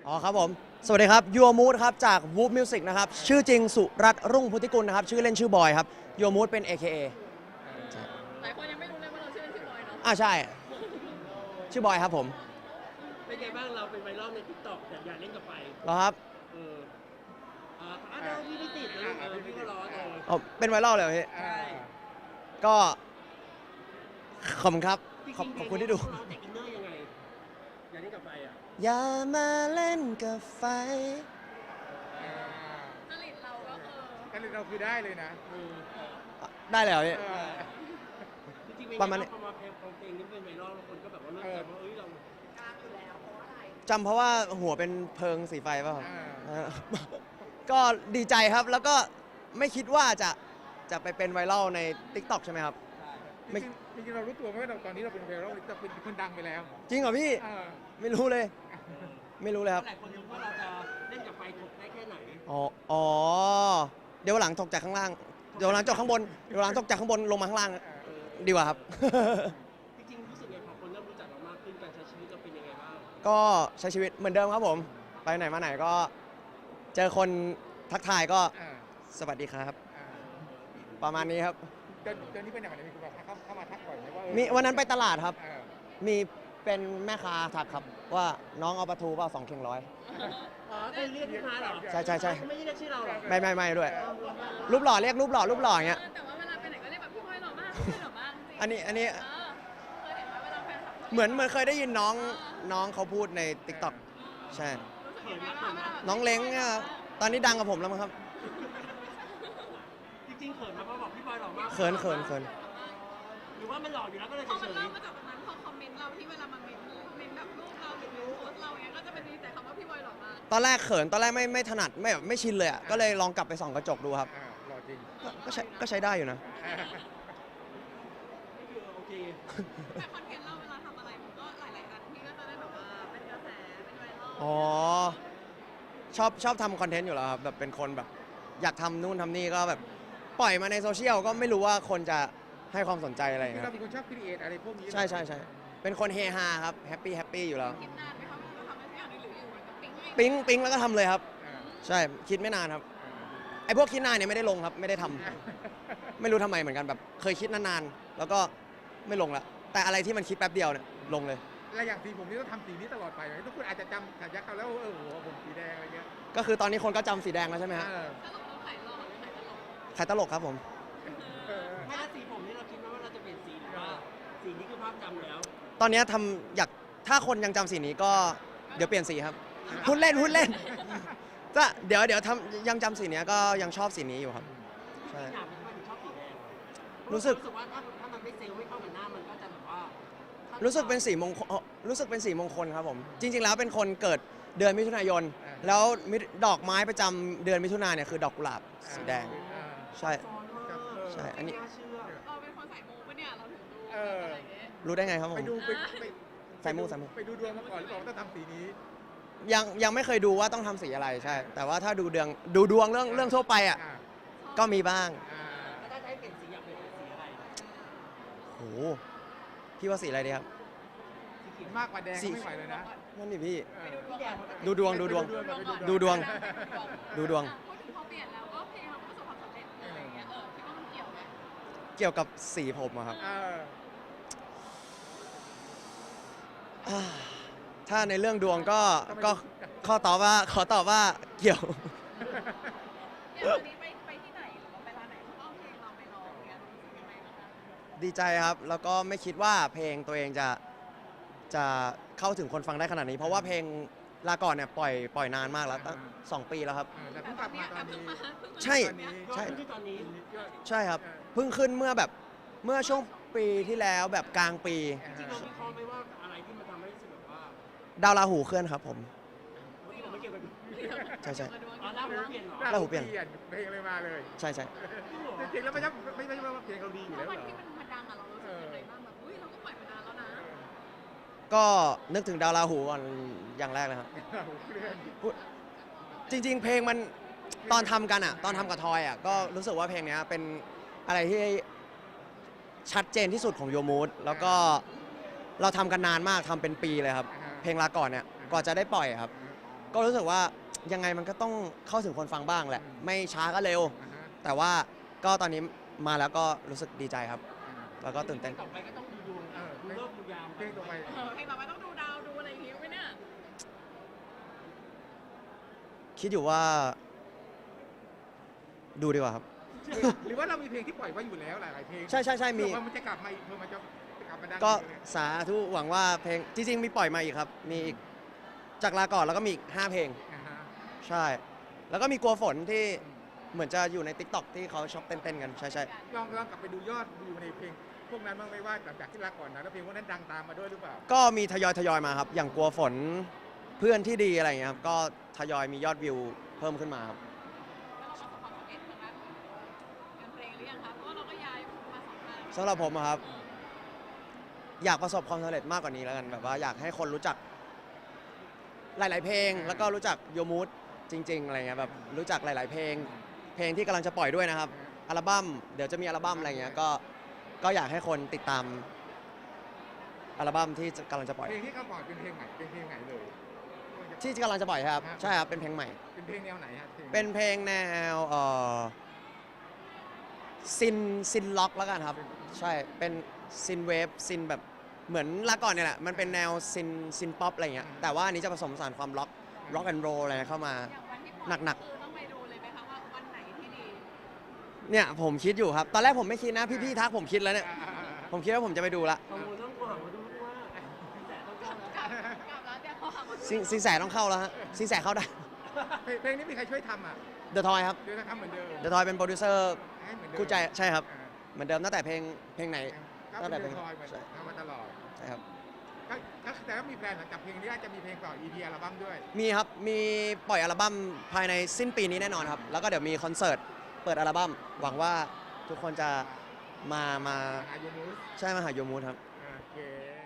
อ๋อครับผมสวัสดีครับยัวมูดครับจาก Whoop Music นะครับชื่อจริงสุรัตน์รุ่งพุทธิกุลนะครับชื่อเล่นชื่อบอยครับยัวมูดเป็น AKA ใช่หลายคนยังไม่รู้เลยว่าเราชื่อเล่นชื่อบอยเนาะใช่ชื่อบอยครับผมเป็นไงบ้างเราเป็นไวรัลใน TikTok แต่อยากเล่นกับไฟเหรอครับเออเดี๋ยวพี่ไม่ติดนะพี่ก็ร้อนอ๋อเป็นไวรัลเลยเหรอพี่ใช่ก็ขอบคุณครับขอบคุณที่ดูร้องแต่อินเนอร์ยังไงอยากเล่นกับไฟอ่ะอย่ามาเล่นกับไฟจริตเราก็คือกันเราคือได้เลยนะได้เลยเหรอพี่จริงๆประมาณนี้พอมาเพลงนี้เป็นไวรัลคนก็แบบว่าเริ่มแบบว่าเอ้ยเรากล้าอยู่แล้วเพราะอะไรจำเพราะว่าหัวเป็นเพิงสีไฟป่ะครับก็ดีใจครับแล้วก็ไม่คิดว่าจะไปเป็นไวรัลใน TikTok ใช่ไหมครับจริงๆเรารู้ตัวไหมว่าตอนนี้เราเป็นไวรัลจะเป็นคนดังไปแล้วจริงเหรอพี่ไม่รู้เลยไม่รู้เลยครับหลายคนรู้ว่าเราจะเล่นกับไฟถกได้แค่ไหนอ๋อเดี๋ยวหลังตกจากข้างล่างเดี๋ยวหลังจากข้างบนเดี๋ยวหลังตกจากข้างบนลงมาข้างล่างดีกว่าครับจริงๆรู้สึกไงพอคนเริ่มรู้จักเรามากขึ้นการใช้ชีวิตเราเป็นยังไงบ้างก็ใช้ชีวิตเหมือนเดิมครับผมไปไหนมาไหนก็เจอคนทักทายก็สวัสดีครับประมาณนี้ครับเดือนนี้เป็นอย่างไรมีคนเข้ามาทักก่อนไหมว่ามีวันนั้นไปตลาดครับมีเป็นแม่ค้าทักครับว่าน้องเอาปลาทูเปล่า2 เข่งร้อยคือเรียกลูกค้าเหรอใช่ไม่ได้เรียกชื่อเราหรอไม่ด้วยรูปหล่อเรียกรูปหล่ออย่างเงี้ยแต่ว่าเวลาไปไหนก็เรียกแบบพี่บอยหล่อมากพี่หล่อมากจริงอันนี้เคยเห็นว่าเวลาแฟนคลับเหมือนเคยได้ยินน้องเขาพูดใน TikTok ใช่น้องเล้งเนี่ยตอนนี้ดังกับผมแล้วมั้งครับจริงๆเขินมาเพราะบอกพี่บอยหล่อมากเขินหรือว่ามันหล่ออยู่แล้วก็เลยเฉยๆพอมันเริ่มมาจากตรงนั้นพอคอมเมนต์เราที่เวลามันเมนแบบรูปเราหรือโพสเราเนี้ยก็จะเป็นมีแต่คำว่าพี่บอยหล่อมากตอนแรกเขินตอนแรกไม่ถนัดไม่ชินเลยอ่ะก็เลยลองกลับไปส่องกระจกดูครับหล่อจริงก็ใช้ได้อยู่นะโอเคแต่คอนเทนต์เราเวลาทำอะไรมันก็หลายๆอันที่ก็จะได้แบบว่าเป็นกระแสเป็นไวรัลอ๋อชอบทำคอนเทนต์อยู่แล้วครับแบบเป็นคนแบบอยากทำนู่นทำนี่ก็แบบปล่อยมาในโซเชียลก็ไม่รู้ว่าคนจะให้ความสนใจอะไรคือครัเราบเป็นคนชอบครีเอทอะไรพวกนี้ใช่เป็นคนเฮฮาครับแฮปปี้อยู่แล้วคิดนานไหมคะว่าเราทำอะไรสักอย่างหรืออยู่มันก็ปิ๊งแล้วก็ทำเลยครับใช่คิดไม่นานครับไอ้พวกคิดนานเนี่ยไม่ได้ลงครับไม่ได้ทำไม่รู้ทำไมเหมือนกันแบบเคยคิดนานๆแล้วก็ไม่ลงละแต่อะไรที่มันคิดแป๊บเดียวเนี่ยลงเลยและอย่างสีผมนี่ต้องทำสีนี้ตลอดไปทุกคนอาจจะจำฉายาเขาแล้วหัวผมสีแดงอะไรเงี้ยก็คือตอนนี้คนก็จำสีแดงแล้วใช่ไหมฮะสรุปเราขายหล่อหรือขายตลกครับผมไม่ถ้าสีผมนี่เราคิดว่าเราจะเปลี่ยนสีหรือว่าสีนี้คือภาพจำแล้วตอนนี้ถ้าคนยังจำสีนี้ก็เดี๋ยวเปลี่ยนสีครับพูดเล่นจะเดี๋ยวทำยังจำสีนี้ก็ยังชอบสีนี้อยู่ครับใช่รู้สึกว่าถ้ามันไม่เซลล์ไม่เข้ากับหน้ามันก็จะแบบว่ารู้สึกเป็นสีมงคลครับผมจริงๆแล้วเป็นคนเกิดเดือนมิถุนายนแล้วดอกไม้ประจำเดือนมิถุนายนเนี่ยคือดอกกุหลาบสีแดงใช่อันนี้เราเป็นคนใส่มูปะเนี่ยเราถึงรู้อะไรเงี้ยรู้ได้ไงครับผมไปดูใส่มูไปดูดวงมาก่อนหรือเปล่าว่าต้องทำสีนี้ยังไม่เคยดูว่าต้องทำสีอะไรใช่แต่ว่าถ้าดูดวงเรื่องทั่วไปอ่ะก็มีบ้างถ้าให้เปลี่ยนสีอยากเปลี่ยนสีอะไรโหพี่ว่าสีอะไรดีครับสีเขียวมากกว่าแดงไม่ไหวเลยนะนั่นดิพี่ดูดวงพูดถึงพอเปลี่ยนแล้วก็เพลงเราประสบความสำเร็จอะไรเงี้ยคิดว่ามันเกี่ยวไหมเกี่ยวกับสีผมครับถ้าในเรื่องดวงก็ขอตอบว่าเกี่ยวอย่างวันนี้ไปที่ไหนหรือว่าไปร้านไหนเขาก็เอาเพลงเราไปร้องเงี้ยรู้สึกยังไงบ้างคะดีใจครับแล้วก็ไม่คิดว่าเพลงตัวเองจะเข้าถึงคนฟังได้ขนาดนี้เพราะว่าเพลงลาก่อนเนี่ยปล่อยนานมากแล้วตั้ง2 ปีแล้วครับแต่เพิ่งกลับมาตอนนี้ใช่ครับเพิ่งขึ้นเมื่อช่วงปีที่แล้วแบบกลางปีจริงๆเราวิเคราะห์ไหมว่าอะไรที่มันทำให้รู้สึกแบบว่าดาวราหูเคลื่อนครับผมไม่เกี่ยวกับใช่ดาวหูเปลี่ยนเพลงเลยมาเลยใช่จริงๆแล้วไม่ใช่ว่าเพลงเราดีอยู่แล้ววันที่มันดังอะเรารู้สึกยังไงบ้างแบบเราก็ปล่อยมานานแล้วนะก็นึกถึงดาวราหูก่อนอย่างแรกเลยครับจริงๆเพลงมันตอนทำกันอ่ะตอนทำกับทอยอ่ะก็รู้สึกว่าเพลงนี้เป็นอะไรที่ชัดเจนที่สุดของโยมูดแล้วก็เราทำกันนานมากทำเป็นปีเลยครับเพลงลาก่อนเนี่ยก่อนจะได้ปล่อยครับก็รู้สึกว่ายังไงมันก็ต้องเข้าถึงคนฟังบ้างแหละ ไม่ช้าก็เร็วอ่าฮะแต่ว่าก็ตอนนี้มาแล้วก็รู้สึกดีใจครับ แล้วก็ตื่นเต้นต่อไปก็ต้องดูดวงดูเลิกดูยามเพลงต่อไปเพลงต่อไปต้องดูดาวดูอะไรอย่างงี้ไหมเนี่ยคิดอยู่ว่า ดูดีกว่าครับหรือว่าเรามีเพลงที่ปล่อยไว้อยู่แล้วหลายๆเพลงใช่ใช่ใช่มีเผื่อว่ามันจะกลับมาอีกเผื่อมันจะกลับมาดังก็อีเลยสาธุหวังว่าเพลงจริงๆมีปล่อยมาอีกครับ มีอีกจากลาก่อนแล้วก็มีอีก5เพลงอ่าฮะใช่ แล้วก็มีกลัวฝนที่เหมือนจะอยู่ใน TikTok ที่เขาชอบเต้นๆกัน ใช่ใช่ลองกลับไปดูยอดวิวในเพลงพวกนั้นบ้างไหมว่าหลังจากที่ลาก่อนนะแล้วเพลงพวกนั้นดังตามมาด้วยหรือเปล่าก็มีทยอยมาครับ อย่างกลัวฝนเพื่อนที่ดีอะไรอย่างเงี้ยครับ ก็ทยอยมียอดวิวเพิ่มขึ้นมาครับแล้วเราประสบความสำเร็จทางด้านงานเพลงหรือยังคะเพราะว่าเราก็ย้ายมาสองทางสำหรับผมอะครับ อยากประสบความสำเร็จมากกว่านี้แล้วกันแบบว่าอยากให้คนรู้จักหลาย ๆ เพลง แล้วก็รู้จักโยมูดจริง ๆ อะไรเงี้ยแบบรู้จักหลาย ๆ เพลง เพลงที่กำลังจะปล่อยด้วยนะครับ อัลบั้มเดี๋ยวจะมีอัลบั้มอะไรเงี้ยก็อยากให้คนติดตามอัลบั้มที่กำลังจะปล่อยเพลงที่เขาปล่อยเป็นเพลงใหม่เป็นเพลงไหนเลยที่กำลังจะปล่อยครับใช่ครับเป็นเพลงใหม่เป็นเพลงแนวไหนฮะเพลงเป็นเพลงแนวซินล็อกแล้วกันครับ ใช่เป็นซินเวฟซินแบบเหมือนลาก่อนเนี่ยแหละมันเป็นแนวซินป๊อปอะไรเงี้ยแต่ว่าอันนี้จะผสมผสานความล็อกแอนด์โรอะไรเข้ามาอย่างวันที่ปล่อยหนักคือต้องไปดูเลยไหมคะว่าวันไหนที่ดีเนี่ยผมคิดอยู่ครับ ตอนแรกผมไม่คิดนะพี่ๆทักผมคิดแล้วเนี่ยอ่าผมคิดว่าผมจะไปดูละกังวลเรื่องกว่ามาดูว่าแต่ต้องเข้าแล้วกลับแล้วเดี๋ยวเขาหาว่าสินแสต้องเข้าแล้วฮะสินแสเข้าได้เพลงนี้มีใครช่วยทำอ่ะเดอะทอยครับเดี๋ยวจะทำเหมือนเดิมเดอะทอยเป็นโปรดิวเซอร์ให้เหมือนเดิมคู่ใจใช่ครับอ่าเหมือนเดิมตั้งแต่เพลงไหนก็ตั้งแต่เป็นเพลงคอยเหมือนใช่ทำมาตลอดใช่ครับก็แต่ว่ามีแพลนหลังจากเพลงนี้อาจจะมีเพลงต่อ EP อัลบั้มด้วยมีครับ มีปล่อยอัลบั้มภายในสิ้นปีนี้แน่นอนครับ แล้วก็เดี๋ยวมีคอนเสิร์ตเปิดอัลบั้มหวังว่าทุกคนจะมาอายุมูสใช่มาหาโยมูดครับโอเค